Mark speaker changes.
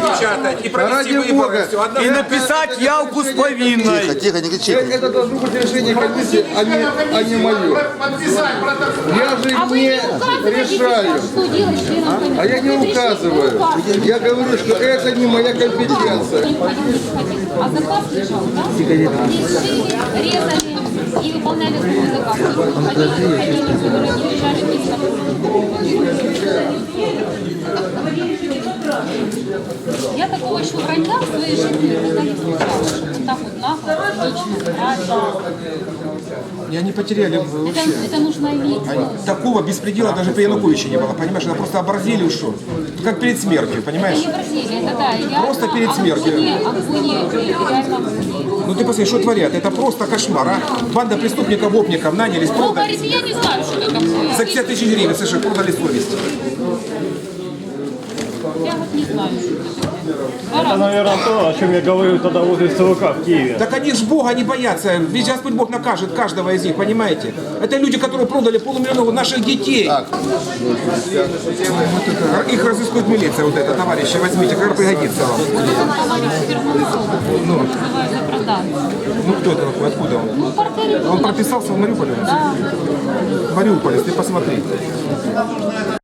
Speaker 1: напечатать и провести
Speaker 2: Ради
Speaker 1: выборы.
Speaker 2: Бога.
Speaker 1: Всё, одна-
Speaker 3: И написать явку с повинной.
Speaker 4: Тихо, тихо, не кричите.
Speaker 2: Это должно быть решение комиссии, а не мое. Я же не решаю.
Speaker 5: Что делать членам комиссии?
Speaker 2: А я не указываю. Я говорю, что это не моя компетенция.
Speaker 5: А заказ лежал, да? Шили, резали и выполняли свой заказ. Хотели, которые не лежали без Я такого еще вранья в своей жизни никогда не встречала. Вот так вот нагло, лично, правильно.
Speaker 1: И они потеряли вообще.
Speaker 5: Это нужно видеть.
Speaker 1: Такого беспредела даже при Януковиче не было, понимаешь? Это просто оборзели ушел. Как перед смертью, понимаешь?
Speaker 5: Это не Бразилия, это да, реально.
Speaker 1: Просто перед смертью.
Speaker 5: Агония, реально агония.
Speaker 1: Ну ты посмотри, что творят. Это просто кошмар, а? Банда преступников-опников нанялись,
Speaker 5: Ну,
Speaker 1: продали.
Speaker 5: говорите, я не знаю, что это такое.
Speaker 1: За 50 тысяч гривен, слышишь, продали совесть.
Speaker 5: Я вот не знаю, что это.
Speaker 6: Это, наверное, то, о чем я говорил тогда возле ЦВК в Киеве.
Speaker 1: Так они ж Бога не боятся. Ведь Господь Бог накажет каждого из них, понимаете? Это люди, которые продали 500 000 наших детей. Вот это, их разыскивает милиция, вот это, товарищи, возьмите, как пригодится вам.
Speaker 5: Товарищ Ферманцов, называется продан.
Speaker 1: Ну кто это такой, откуда он?
Speaker 5: Ну, портер.
Speaker 1: Он прописался в Мариуполе?
Speaker 5: Да.
Speaker 1: Мариуполе, ты посмотри.